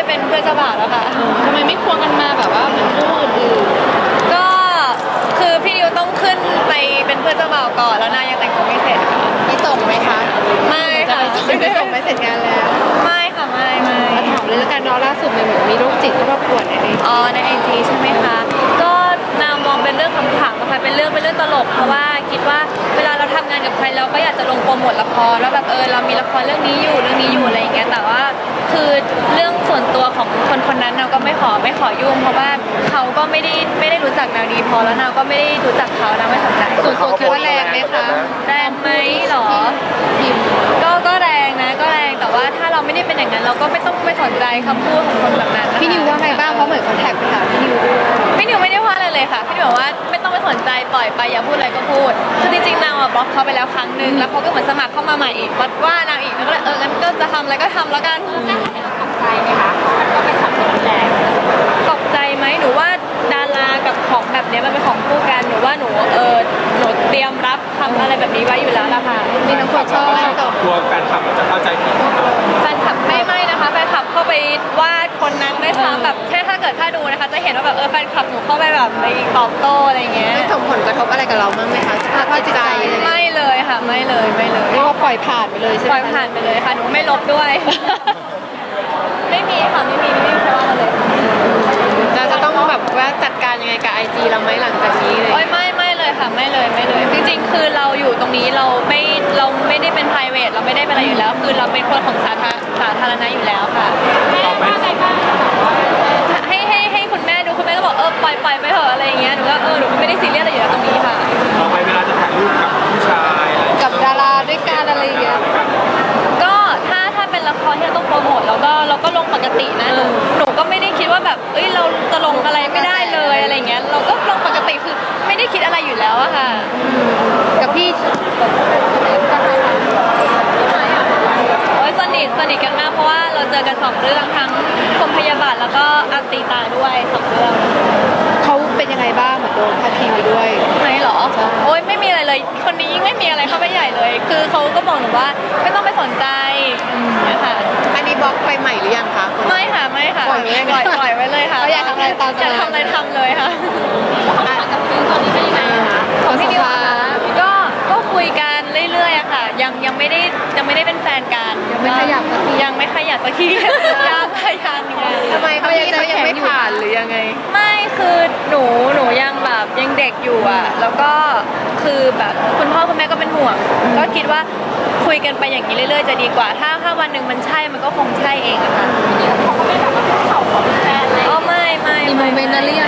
เป็นเพื่อนเจ้าบ่าวแล้วค่ะทำไมไม่ควงกันมาแบบว่าเหมือนคู่อื่นก็คือพี่นิวต้องขึ้นไปเป็นเพื่อนเจ้าบ่าวก่อนแล้วนายยังแต่งตัวไม่เสร็จค่ะมีส่งไหมคะไม่ค่ะไม่ได้ส่งไม่เสร็จงานแล้วไม่ค่ะไม่ถามเลยแล้วกันเนาะล่าสุดเหมือนมีโรคจิตเข้ามาป่วนในในไอจีใช่ไหมคะก็นามองเป็นเรื่องขำๆนะคะเป็นเรื่องตลกเพราะว่าคิดว่าเวลาเราทำงานกับใครเราก็อยากจะลงโปรโมทละครแล้วแบบเรามีละครเรื่องนี้อยู่อะไรอย่างเงี้ยแต่ว่าคือเรื่องส่วนตัวของคนนั้นเราก็ไม่ขอยุ่งเพราะว่าเขาก็ไม่ได้รู้จักนาวดีพอแล้วนาวก็ไม่ได้รู้จักเขานาวไม่สนใจส่วนตัวคิดว่าแรงไหมคะแรงไหมหรอก็แรงนะก็แรงแต่ว่าถ้าเราไม่ได้เป็นอย่างนั้นเราก็ไม่ต้องไปสนใจคำพูดของคนแบบนั้นพี่นิวว่าไงบ้างเพราะเหมือนเขาแท็กไปหาพี่นิวด้วยพี่นิวไม่ได้ว่าอะไรเลยค่ะพี่นิวบอกว่าไม่ต้องไปสนใจปล่อยไปอย่าพูดอะไรก็พูดคือจริงๆนาวบล็อกเขาไปแล้วครั้งนึงแล้วเขาก็เหมือนสมัครเข้ามาใหม่อีกว่านางอีกแล้วก็เลยงั้นก็จะทำอะไรก็ทำแล้วกันตกใจไหมคะมันก็เป็นคำที่แรงตกใจไหมหนูว่าดารากับของแบบนี้มันเป็นของคู่กันหนูว่าหนูเตรียมรับทำอะไรแบบนี้ไว้อยู่แล้วล่ะค่ะมีน้องคนชอบกลัวแฟนคลับจะเข้าใจผิดแฟนคลับไม่นะคะแฟนคลับเข้าไปวาดคนนั้นไม่ซ้ำแบบแค่ถ้าดูนะคะจะเห็นว่าแบบแฟนคลับหนูเข้าไปแบบไปตอบโต้อะไรเงี้ยไม่ส่งผลกระทบอะไรกับเราบ้างไหมคะสภาพจิตใจไม่เลยค่ะไม่เลยเรียกว่าปล่อยผ่านไปเลยใช่ไหมปล่อยผ่านไปเลยค่ะหนูไม่ลบด้วยไม่มีค่ะไม่มีใครว่าเราเลยเราจะต้องแบบว่าจัดการยังไงกับ IG เราไหมหลังจากนี้เลยไม่เลยค่ะไม่เลยจริงๆคือเราอยู่ตรงนี้เราไม่ได้เป็น private เราไม่ได้เป็นอะไรอยู่แล้วคือเราเป็นคนของสาธารณะอยู่แล้วค่ะให้คุณแม่ดูคุณแม่ก็บอกปล่อยไปเถอะอะไรอย่างเงี้ยหนูก็หนูก็ไม่ได้ซีเรียสอะไรอยู่แล้วตรงนี้ค่ะต่อไปเวลาจะถ่ายรูปกับผู้ชายกับดาราด้วยกันอะไรอย่างเงี้ยก็ถ้าเป็นละครที่เราต้องโปรโมทเราก็ลงปกตินะหนูก็ไม่ได้คิดว่าแบบเราจะลงอะไรไม่ได้เลยอะไรเงี้ยเราก็ลงปกติคือไม่ได้คิดอะไรอยู่แล้วอะค่ะกับพี่สนิทกันมากเพราะว่าเราเจอกัน2 เรื่องทั้งพรหมพยาบาทแล้วก็อัตีตาด้วย2 เรื่องเขาเป็นยังไงบ้างเหมือนโดนพาดพิงไปด้วยไหนหรอไม่มีอะไรเลยคนนี้ยิ่งไม่มีอะไรเข้าไปใหญ่เลยคือเขาก็บอกหนูว่าไม่ต้องไปสนใจนะคะอันนี้บล็อกไปใหม่หรือยังคะไม่ค่ะปล่อยไว้เลยค่ะอยากทำอะไรตามอยากทำอะไรทำเลยค่ะกับพี่ตอนนี้เป็นยังไงคะของพี่นิวก็คุยกันเรื่อยๆอะค่ะยังไม่ได้เป็นแฟนกันยังไม่ขยับสักทียังทำไมเขายังไม่ผ่านหรือยังไงไม่คือหนูยังแบบยังเด็กอยู่อะแล้วก็คือแบบคุณพ่อคุณแม่ก็เป็นห่วงก็คิดว่าคุยกันไปอย่างนี้เรื่อยๆจะดีกว่าถ้าวันหนึ่งมันใช่มันก็คงใช่เองอะค่ะเขาไม่แบบว่าเขาขอเป็นแฟนอะไรไม่มีโมเมนต์นั้นหรือยัง